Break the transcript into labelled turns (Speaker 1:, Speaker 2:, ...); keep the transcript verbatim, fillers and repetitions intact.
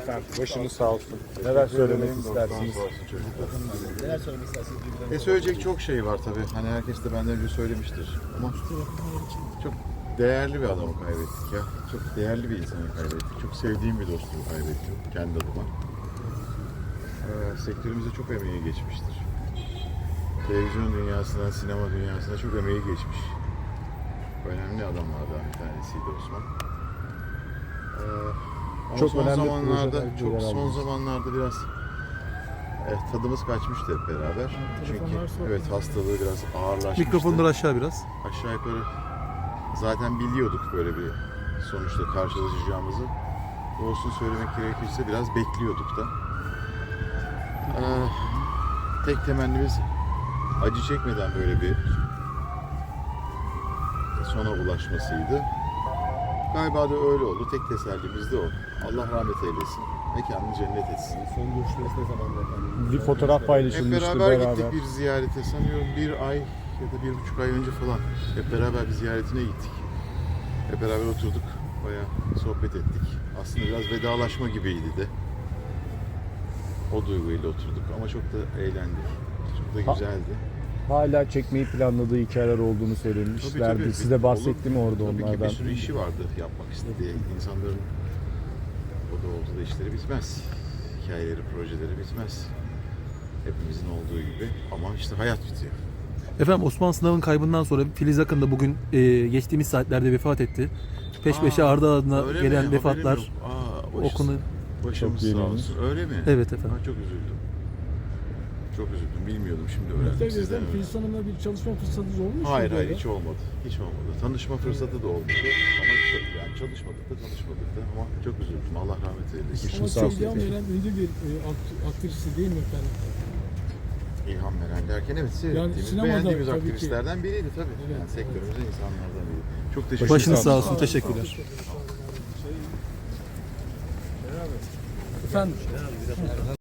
Speaker 1: efendim. Başınız sağ olsun. Neler söylemek istersiniz?
Speaker 2: Neler söylemek istersiniz?
Speaker 3: E söyleyecek çok şey var tabii. Hani herkes de benden önce söylemiştir. Ama çok değerli bir adamı kaybettik ya. Çok değerli bir insanı kaybettik. Çok sevdiğim bir dostumu kaybettim kendi adıma. Ee, sektörümüzde çok emeği geçmiştir. Televizyon dünyasına, sinema dünyasına çok emeği geçmiş. Önemli adamlardan bir tanesiydi Osman. Ee, ama
Speaker 1: Çok
Speaker 3: son
Speaker 1: önemli
Speaker 3: zamanlarda,
Speaker 1: projeler,
Speaker 3: çok
Speaker 1: projeler
Speaker 3: son
Speaker 1: aldınız.
Speaker 3: zamanlarda biraz evet, tadımız kaçmıştı hep beraber. Çünkü evet hastalığı biraz ağırlaşmıştı.
Speaker 4: Mikrofonları aşağı biraz.
Speaker 3: Aşağı yukarı zaten biliyorduk böyle bir sonuçta karşılaşacağımızı. Doğrusunu söylemek gerekirse biraz bekliyorduk da. Ee, tek temennimiz acı çekmeden böyle bir sona ulaşmasıydı. Galiba da öyle oldu. Tek tesellimiz de o. Allah rahmet eylesin. Mekanını cennet etsin.
Speaker 2: Son görüşmeniz ne zamandı efendim?
Speaker 1: Bir fotoğraf
Speaker 3: Hep
Speaker 1: paylaşılmıştı
Speaker 3: beraber,
Speaker 1: beraber.
Speaker 3: gittik bir ziyarete. Sanıyorum bir ay ya da bir buçuk ay önce falan. Hep beraber bir ziyaretine gittik. Hep beraber oturduk. Bayağı sohbet ettik. Aslında biraz vedalaşma gibiydi de. O duyguyla oturduk ama çok da eğlendik. Çok da
Speaker 1: Ha-
Speaker 3: güzeldi.
Speaker 1: Hala çekmeyi planladığı hikayeler olduğunu söylemişlerdi.
Speaker 3: Tabii, tabii.
Speaker 1: Size bahsetti mi orada
Speaker 3: Tabii
Speaker 1: onlardan?
Speaker 3: ki bir sürü işi vardı yapmak istediği. İnsanların o da oldu da işleri bitmez. Hikayeleri, projeleri bitmez. Hepimizin olduğu gibi ama işte hayat bitiyor.
Speaker 4: Efendim Osman Sınav'ın kaybından sonra Filiz Akın da bugün e, geçtiğimiz saatlerde vefat etti. Peş peşe
Speaker 3: Aa,
Speaker 4: ardı ardına
Speaker 3: öyle
Speaker 4: gelen
Speaker 3: mi? Haberim
Speaker 4: vefatlar
Speaker 3: yok. Aa, başı-
Speaker 4: okunu.
Speaker 3: Başımız
Speaker 1: Çok
Speaker 3: sağ
Speaker 1: yeni.
Speaker 3: olsun. Öyle mi?
Speaker 4: Evet efendim.
Speaker 3: Ha, çok üzüldüm. Çok üzüldüm. Bilmiyordum şimdi öğrendim sizden. öğrendim.
Speaker 2: Filiz Hanım'la bir çalışma fırsatınız olmuş
Speaker 3: Hayır
Speaker 2: muydu
Speaker 3: hayır
Speaker 2: öyle?
Speaker 3: hiç olmadı. Hiç olmadı. Tanışma fırsatı da olmadı. Ama çok, yani çalışmadık da tanışmadık da ama çok üzüldüm. Allah rahmet eylesin.
Speaker 2: Ama
Speaker 1: sağ olsun.
Speaker 2: çok ilham veren ünlü bir e, akt- aktristi değil mi efendim?
Speaker 3: İlham veren derken evet seyrettiğimiz,
Speaker 2: sinemada
Speaker 3: beğendiğimiz
Speaker 2: tabii ki.
Speaker 3: aktivistlerden biriydi tabii.
Speaker 2: Evet,
Speaker 3: yani sektörümüzde insanlardan biri. Çok teşekkür
Speaker 4: Başınız
Speaker 3: ederim.
Speaker 4: sağ olsun. Teşekkürler.
Speaker 2: Efendim?